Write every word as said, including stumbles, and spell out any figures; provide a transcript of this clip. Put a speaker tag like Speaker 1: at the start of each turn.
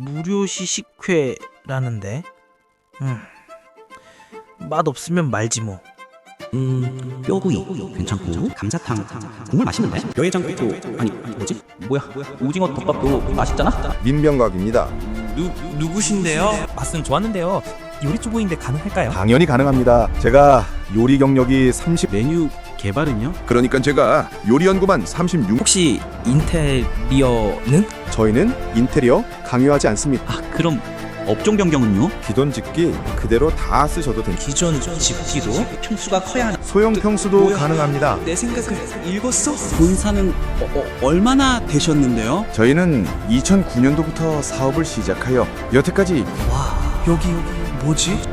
Speaker 1: 무료시 식회라는데. 음, 맛 없으면 말지 뭐.
Speaker 2: 음, 뼈구이 괜찮고 감자탕 정말 맛있는데? 뼈해장국도 아니 뭐지? 뭐야? 오징어 덮밥도 맛있잖아?
Speaker 3: 민병각입니다.
Speaker 4: 누, 누구신데요? 맛은 좋았는데요. 요리 초보인데 가능할까요?
Speaker 3: 당연히 가능합니다. 제가 요리 경력이 삼십.
Speaker 2: 메뉴 개발은요?
Speaker 3: 그러니까 제가 요리 연구만 삼십육.
Speaker 4: 혹시 인테리어는?
Speaker 3: 저희는 인테리어 강요하지 않습니다.
Speaker 2: 아 그럼 업종 변경은요?
Speaker 3: 기존 집기 그대로 다 쓰셔도 됩니다.
Speaker 4: 기존 집기도?
Speaker 2: 평수가 커야 하나?
Speaker 3: 소형 평수도
Speaker 4: 뭐야?
Speaker 3: 가능합니다.
Speaker 4: 내 생각을 읽었어?
Speaker 2: 본사는 어, 어, 얼마나 되셨는데요?
Speaker 3: 저희는 이천구 년도부터 사업을 시작하여 여태까지
Speaker 4: 와, 여기 뭐지?